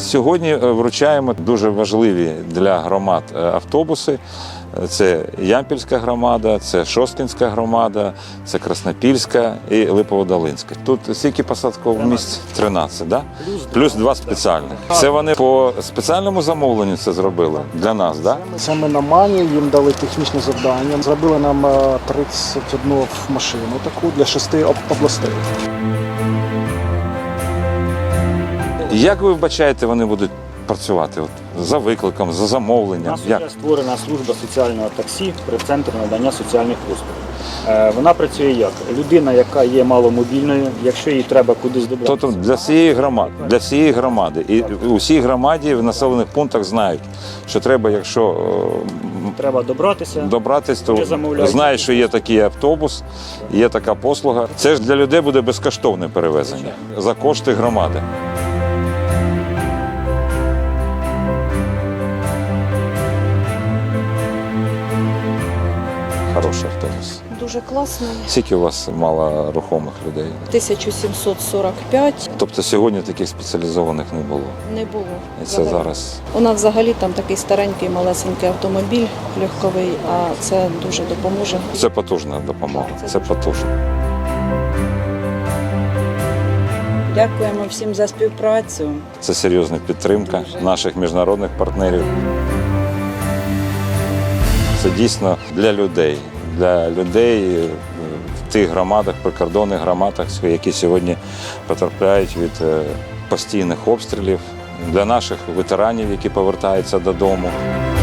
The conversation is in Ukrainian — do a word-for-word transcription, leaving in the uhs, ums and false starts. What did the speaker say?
Сьогодні вручаємо дуже важливі для громад автобуси. Це Ямпільська громада, це Шосткинська громада, це Краснопільська і Липоводолинська. Тут скільки посадкових місць? тринадцять, да? Плюс два спеціальних. Це вони по спеціальному замовленню це зробили для нас, да? Саме на Мані їм дали технічне завдання. Зробили нам тридцять одну машину таку для шести областей. Як ви вбачаєте, вони будуть працювати от, за викликом, за У замовленням? нас Як? вже створена служба соціального таксі при центрі надання соціальних послуг. Е, Вона працює як? Людина, яка є маломобільною, якщо їй треба кудись добратися. Тобто для всієї громади, для всієї громади. І у всій громаді в населених пунктах знають, що треба, якщо Треба добратися. добратись, то Вже замовляють. знають, що є такий автобус, є така послуга. Це ж для людей буде безкоштовне перевезення за кошти громади. Хороший автобус. Дуже класний. Скільки у вас мало рухомих людей? тисяча сімсот сорок п'ять Тобто сьогодні таких спеціалізованих не було. не було. І це взагалі. зараз. У нас взагалі там такий старенький малесенький автомобіль легковий, а це дуже допоможе. Це потужна допомога. Це потужно. Дякуємо всім за співпрацю. Це серйозна підтримка наших міжнародних партнерів. Це дійсно для людей, для людей в тих громадах, прикордонних громадах, які сьогодні потрапляють від постійних обстрілів, для наших ветеранів, які повертаються додому.